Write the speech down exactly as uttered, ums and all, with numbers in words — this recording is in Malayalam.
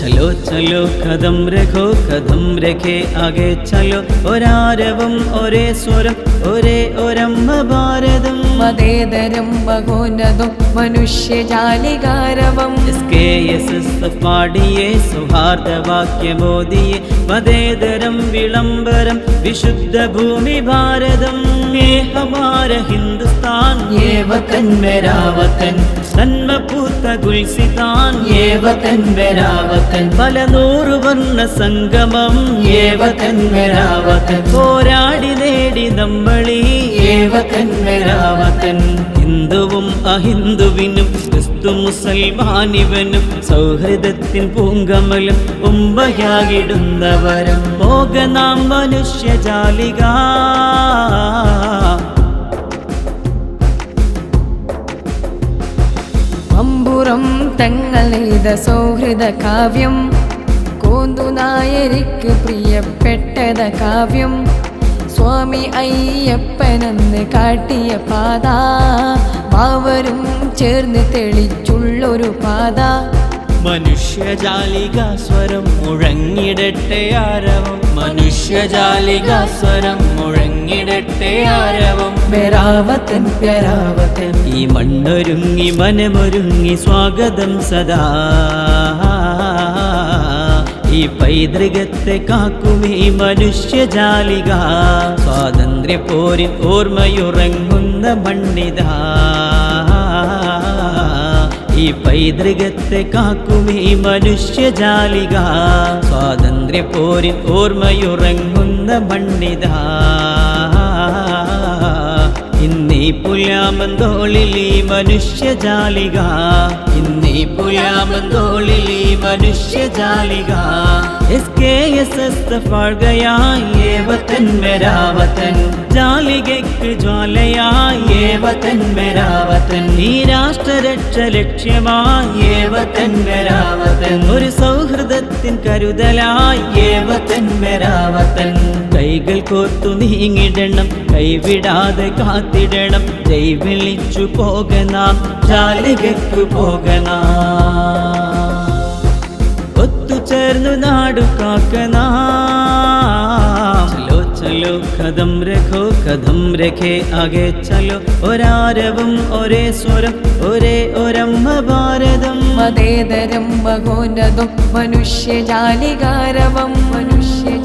चलो चलो कदम रखो कदम रखे आगे चलो ഒരാരവം ഒരേ സ്വരം ഒരേ ഒരമ്മ ഭാരതം മതേതരം മഹോന്നതം മനുഷ്യജാലികാരവം എസ് കെ എസ് എസ് പാടിയേ സൗഹാർദ്ദവാക്യമോദിയെ മതേതരം വിളംബരം വിശുദ്ധ ഭൂമി ഭാരതം ये हमारा हिंदुस्तान ये वतन मेरा वतन നന്മ പൂത്ത ഗുൽസിതാൻ ये वतन मेरा वतन പല നൂറ് വർണ്ണ സംഗമം ये वतन मेरा वतन പോരാടി നേടി നമ്മളീ ये वतन मेरा वतन ഹിന്ദുവും അഹിന്ദുവിനും ക്രിസ്തു മുസൽമാനിവനും സൗഹൃദത്തിൻ പൂങ്കമലും ഉമ്പയാകിടുന്നവരും പോക നാം മനുഷ്യജാലിക അമ്പുറം തങ്ങൾ നെയ്ത സൗഹൃദ കാവ്യം കോന്തുനായരിക്ക് പ്രിയപ്പെട്ടത കാവ്യം സ്വാമി അയ്യപ്പനെന്ന് കാട്ടിയ പാത മാവരും ചേർന്ന് തെളിച്ചുള്ളൊരു പാത മനുഷ്യജാലിക സ്വരം മുഴങ്ങിടട്ടെ ആരവം മനുഷ്യജാലിക സ്വരം മുഴങ്ങിടട്ടെ ആരവം മെരാവത്തൻ പ്യാരാവത്തൻ ഈ മണ്ണൊരുങ്ങി മനമൊരുങ്ങി സ്വാഗതം സദാ ഈ പൈതൃകത്തെ കാക്കുമീ മനുഷ്യജാലിക സ്വാതന്ത്ര്യ പോരിൻ ഓർമ്മയുറങ്ങുന്ന മണ്ണിതാ ഈ പൈതൃകത്തെ കാക്കുമീ മനുഷ്യജാലിക സ്വാതന്ത്ര്യ പോരിൻ ഓർമ്മയുറങ്ങുന്ന മണ്ണിതാ ഇന്നീ പുലാമന്തോളിൽ ഈ മനുഷ്യജാലിക ഇന്നീ പുലാമന്തോളിൽ ഈ മനുഷ്യജാലിക S K S S F ഗയാ യേ വതൻ മേരാ വതൻ ജാലികയ്ക്ക് ജ്വാലയായി യേ വതൻ മേരാ വതൻ ഈ രാഷ്ട്രരക്ഷ ലക്ഷ്യമായി യേ വതൻ മേരാ വതൻ ഒരു സൗഹൃദത്തിൻ കരുതലായി യേ വതൻ മേരാ വതൻ കൈകൾ കോർത്തു നീങ്ങിടണം കൈവിടാതെ കാത്തിടണം ജയ് വിളിച്ചു പോകണം ജാലികയ്ക്കു പോകണം ഒത്തുചേർന്നു നാടു കാക്കണം ചലോ ചലോ കദം രഖോ കദം രഖേ ആകെ ചലോ ഒരാരവം ഒരേ സ്വരം ഒരേ ഒരമ്മ ഭാരതം മതേതരം മഹോന്നതം മനുഷ്യജാലികാരവം മനുഷ്യ